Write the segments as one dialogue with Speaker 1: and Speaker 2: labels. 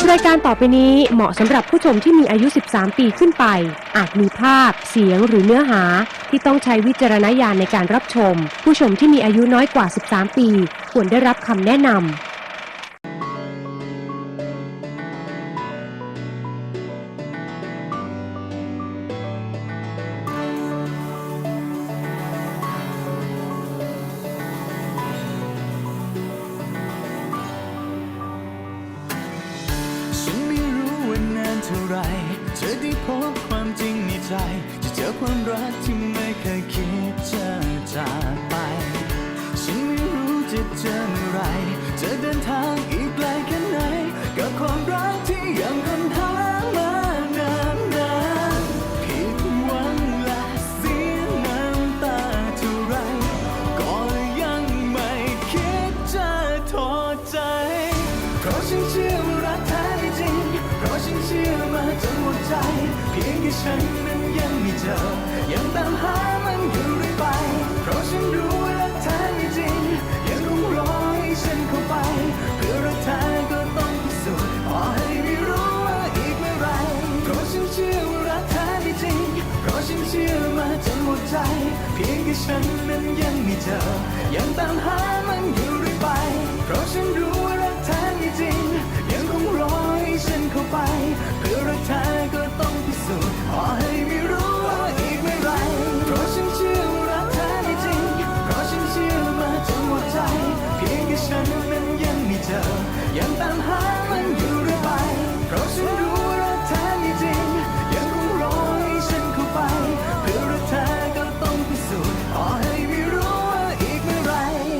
Speaker 1: รายการต่อไปนี้เหมาะสำหรับผู้ชมที่มีอายุ 13 ปีขึ้นไปอาจมีภาพเสียงหรือเนื้อหาที่ต้องใช้วิจารณญาณในการรับชมผู้ชมที่มีอายุน้อยกว่า 13 ปีควรได้รับคำแนะนำ
Speaker 2: เท่าไรเธอได้พบความจริงในใจจะเจอความรักที่ไม่เคยคิดจะจากไปฉันไม่รู้จะเจอเมื่อไรจะเดินทางอีกไกลแค่ไหนกับความรักที่ยังค้นหามานานผิดหวังและเสียน้ำตาเท่าไรก็ยังไม่คิดจะถอดใจเพราะฉันเชื่อว่ารักแท้จริงเพราะฉันเชื่อมาจนหมดใจเพียงแค่ฉันนั้นยังไม่เจอยังตามหามันอยู่เรื่อยไปเพราะฉันรู้ว่ารักแท้จริงยังคงรอให้ฉันเข้าไปเพื่อรักแท้ก็ต้องพิสูจน์ขอให้ไม่รู้ว่าอีกเมื่อไรเพราะฉันเชื่อว่ารักแท้จริงเพราะฉันเชื่อมาจนหมดใจเพียงแค่ฉันนั้นยังไม่เจอยังตามหามันอยู่เรื่อยไปเพราะฉันรู้ว่ารักแท้จริงยังคงรอให้ฉันเข้าไปเพื่อรักแท้ก็ต้องพิสูจน์ขอให้ไม่รู้ว่าอีกเมื่อไรเพราะฉันเชื่อว่ารักแท้จริงเพราะฉันเชื่อมาจนหมดใจเพียงแค่ฉันนั้นยังไม่เจอยังตามหามันอยู่เรื่อยไปเพราะฉันรู้ว่ารักแท้จริงยังคงรอให้ฉันเข้าไปเพื่อรักแท้ก็ต้องพิสูจน์ขอให้ไม่รู้ว่าอีกเมื่อไร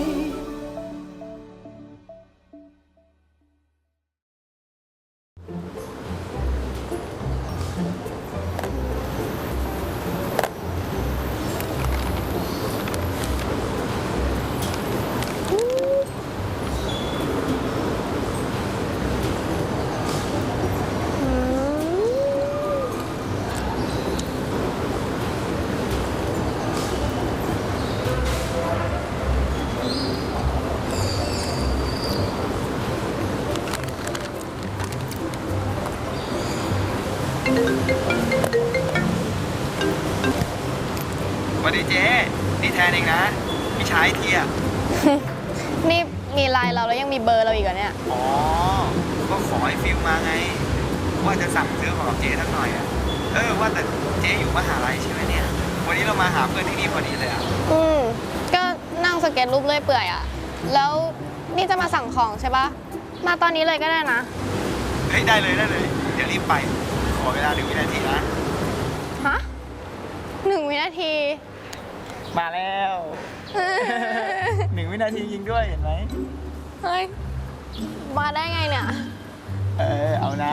Speaker 3: สวัสดีเจ๊นี่แทนเองนะพี่ชายเทีย
Speaker 4: นี่มีไลน์เราแล้วยังมีเบอร์เราอีกเหรอเนี่ย
Speaker 3: อ๋อก็ขอให้ฟิลมาไงว่าจะสั่งซื้อของกับเจ๊สักหน่อยอ่ะว่าแต่เจ๊อยู่มหาลัยใช่ไหมเนี่ยวันนี้เรามาหาเพื่อนที่นี่พอดีเลยอ่ะ
Speaker 4: ก็นั่งสเก็ตรูปเลื่อยเปื่อยอะแล้วนี่จะมาสั่งของใช่ปะมาตอนนี้เลยก็ได้นะ
Speaker 3: เฮ้ยได้เลยเดี๋ยวรีบไปขอเวลา1 วินาทีนะ
Speaker 4: ฮะ1 วินาที
Speaker 3: มาแล้ว 1 วินาทียิงด้วยเห็นไหม
Speaker 4: เฮ้ยมาได้ไงเนี่ย
Speaker 3: เอานะ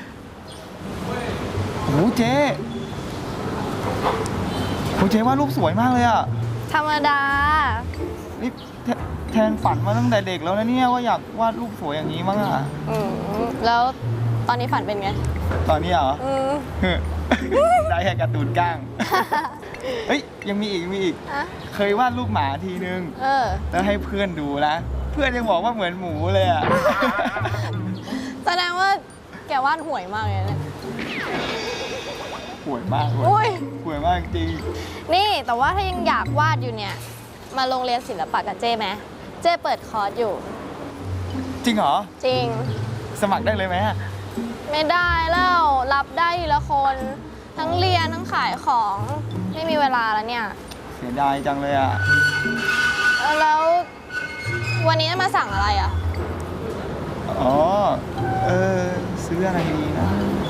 Speaker 3: โอ้เจ๊ว่ารูปสวยมากเลยอ่ะ
Speaker 4: ธรรมดา
Speaker 3: นี่แทนฝันมาตั้งแต่เด็กแล้วนะเนี่ยว่าอยากวาดรูปสวยอย่างนี้มั้งอ่ะ
Speaker 4: แล้วตอนนี้ฝันเป็นไง
Speaker 3: ตอนนี้เหรอได้แค่การ์ตูนก้างเฮ้ยยังมีอีกเคยวาดรูปหมาทีนึงแล้วให้เพื่อนดูนะเพื่อนยังบอกว่าเหมือนหมูเลยอ่ะ
Speaker 4: แสดงว่าแกวาดห่วยมากเลยเนี่ย
Speaker 3: ห่วยมากห่วยมากจริง
Speaker 4: นี่แต่ว่าถ้ายังอยากวาดอยู่เนี่ยมาโรงเรียนศิลปะกับเจ้ไหมเจ้เปิดคอร์สอยู่
Speaker 3: จริงเหรอ
Speaker 4: จริง
Speaker 3: สมัครได้เลยไหม
Speaker 4: ไม่ได้แล้วรับได้ทีละคนทั้งเรียนทั้งขายของไม่มีเวลาแล้วเนี่ย
Speaker 3: เสียดายจังเลยอ่ะ
Speaker 4: แล้ววันนี้มาสั่งอะไรอ่ะ
Speaker 3: อ๋อซื้ออะไรดีนะ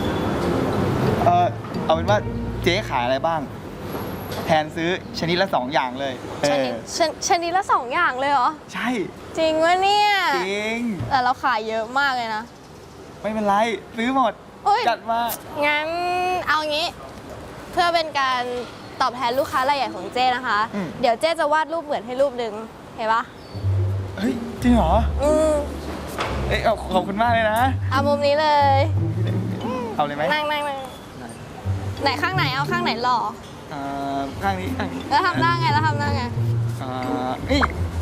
Speaker 3: เอาเป็นว่าเจ๊ขายอะไรบ้างแทนซื้อชนิดละ2 อย่างเลย
Speaker 4: ชนิดละ2 อย่างเลยเหรอ
Speaker 3: ใช่
Speaker 4: จริงวะเนี่ย
Speaker 3: จริง
Speaker 4: แต่เราขายเยอะมากเลยนะ
Speaker 3: ไม่เป็นไรซื้อหมดจัดมา
Speaker 4: งั้นเอางี้เพื่อเป็นการตอบแทนลูกค้ารายใหญ่ของเจ้นะคะเดี๋ยวเจ้จะวาดรูปเหมือนให้รูปหนึ่งเห็นปะ
Speaker 3: เฮ้ยจริงเหรอขอบคุณมากเลยนะ
Speaker 4: เอามุมนี้เลย
Speaker 3: เอาเลยไหม
Speaker 4: นั่งไหนข้างไหนเอาข้างไหนหล่อ
Speaker 3: ข้างนี้
Speaker 4: แล้วทำหน้าไง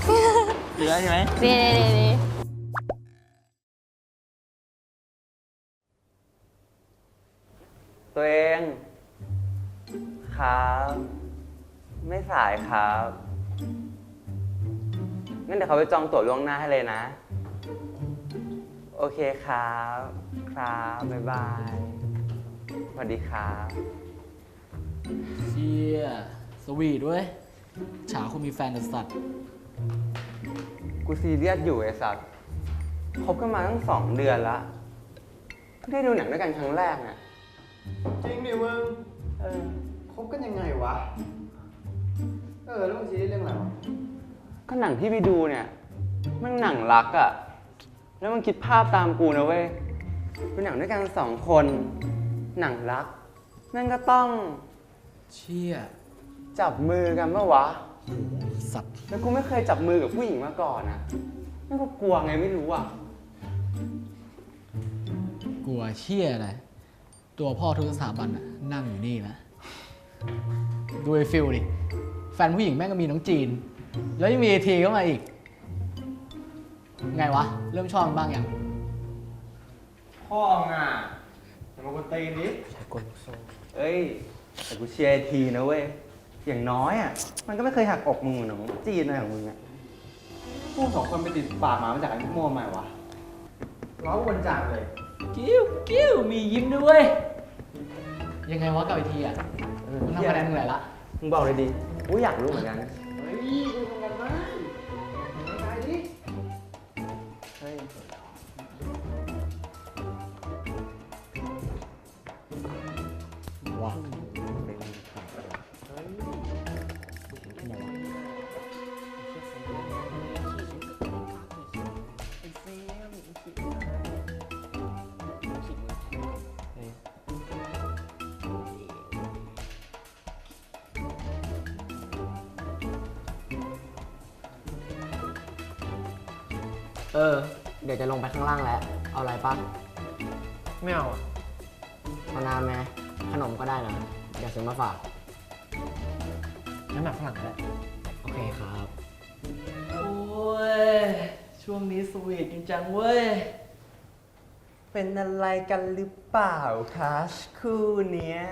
Speaker 3: ดีแล้วใช่ไหม
Speaker 4: ดี
Speaker 5: ตัวเองครับ ไม่สายครับ งั้นเดี๋ยวเขาไปจองตั๋วล่วงหน้าให้เลยนะ โอเคครับ ครับ บ๊ายบาย สวัสดีครับ
Speaker 6: เชี่ยสวีทเว้ยฉาคุณมีแฟนแต่สัตว์
Speaker 5: กูซีเรียสอยู่ไอ้สัตว์คบกันมาตั้ง2 เดือนละเพิ่งได้ดูหนังด้วยกันครั้งแรกน่ะ
Speaker 3: จริงดิมึงคบกันยังไงวะ แล้วมึงซีรีส์เรื่องอะไรวะ
Speaker 5: ก็หนังที่ไปดูเนี่ย มันหนังรักอะ แล้วมันคิดภาพตามกูนะเว้ย เป็นหนังด้วยกัน2 คน หนังรักนั่นก็ต้อง
Speaker 6: เชี่ย
Speaker 5: จับมือกันปะวะ
Speaker 6: สัตว์
Speaker 5: แล้วกูไม่เคยจับมือกับผู้หญิงมาก่อนอะนั่นก็กลัวไงไม่รู้อะ
Speaker 6: กลัวเชี่ยอะไรตัวพ่อทุกสถาบันน่ะนั่งอยู่นี่นะดูไอ้ฟิลดิแฟนผู้หญิงแม่งก็มีน้องจีน แล้วยังมีไอทีเข้ามาอีก ไงวะ เริ่มชอบมันบ้างยัง
Speaker 3: พ่อมึงอ่ะอย่ามากวนตีนดิ
Speaker 5: เอ้ย แต่กูเชียร์ไอ้ทีนะเว้ย อย่างน้อยอะมันก็ไม่เคยหักอกมึงเหมือนน้องจีนอะไรของมึงอะ
Speaker 3: พวก2 คนไปติดปากหมามาจากไอ้พวกโม่ใหม่วะร้องวนจังเลย
Speaker 6: กิ้วมียิ้มด้วย ยังไงวะกับไอทีอ่ะมันทำคะแนนมึงไหนละ
Speaker 5: มึงบอกเลยดิกูอยากรู้เหมือนกัน
Speaker 3: เฮ้ยดูทำกันบ้างไปดิ
Speaker 5: เฮ้ย
Speaker 6: ว้า
Speaker 7: เดี๋ยวจะลงไปข้างล่างแล้ว เอาอะไรปะ
Speaker 3: ไม่เอา
Speaker 7: เอาน้ำไหมขนมก็ได้นะ เดี๋ยวซื้อมาฝาก
Speaker 3: น้ำหนักฝรั่งแล้ว
Speaker 7: โอเคครับ
Speaker 6: โอ้ย ช่วงนี้สวีทจริงจังเว้ย
Speaker 5: เป็นอะไรกันหรือเปล่าคะคู่เนี้ย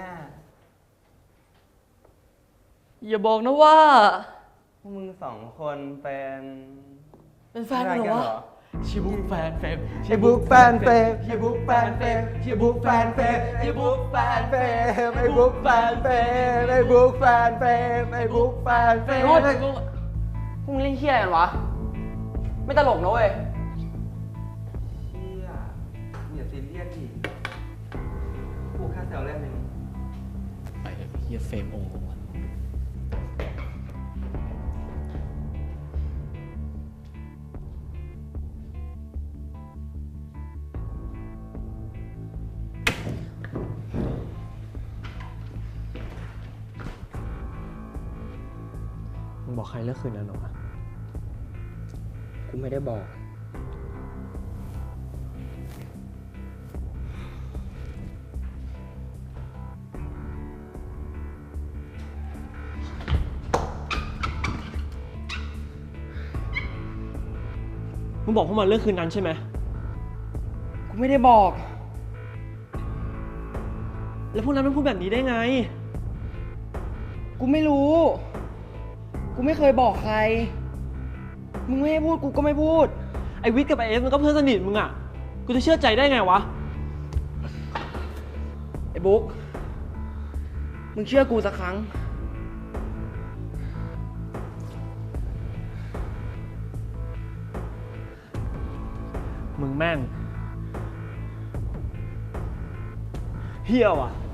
Speaker 6: อย่าบอกนะว่า
Speaker 5: พวกมึง2 คนเป็น
Speaker 6: เป็นแฟนกันเหรอวะชิบุกแฟนเฟม
Speaker 5: ชิบุกแฟนเฟมชิบุกแฟนเฟมชิบุกแฟนเฟมชิบุกแฟนเฟมไอ้บุกแฟนเฟมไอ้บุกแฟนเฟมไอ้บุกแฟนเฟม
Speaker 7: พวกมึงเล่นเฮี้ยอะไรกันวะ ไม่ตลกนะเว้ย
Speaker 5: เฮียอย่าซีเรียสดิกูแค่แซวเล่นเอง
Speaker 6: ไปเถอะเฮียเฟรมองค์ของมัน
Speaker 8: มึงบอกใครเลิกคืนนั้นหรอวะ
Speaker 7: กูไม่ได้บอก
Speaker 8: มึงบอกพวกมันเลิกคืนนั้นใช่ไหม
Speaker 7: กูไม่ได้บอก
Speaker 8: แล้วพวกนั้นมันพูดแบบนี้ได้ไง
Speaker 7: กูไม่รู้ กูไม่เคยบอกใคร มึงไม่ให้พูดกูก็ไม่พูด
Speaker 8: ไอวิทย์กับไอเอฟมันก็เพื่อนสนิทมึงอ่ะ กูจะเชื่อใจได้ไงวะ
Speaker 7: ไอ้บุ๊ก มึงเชื่อกูสักครั้ง
Speaker 8: มึงแม่งเฮี้ยว่ะ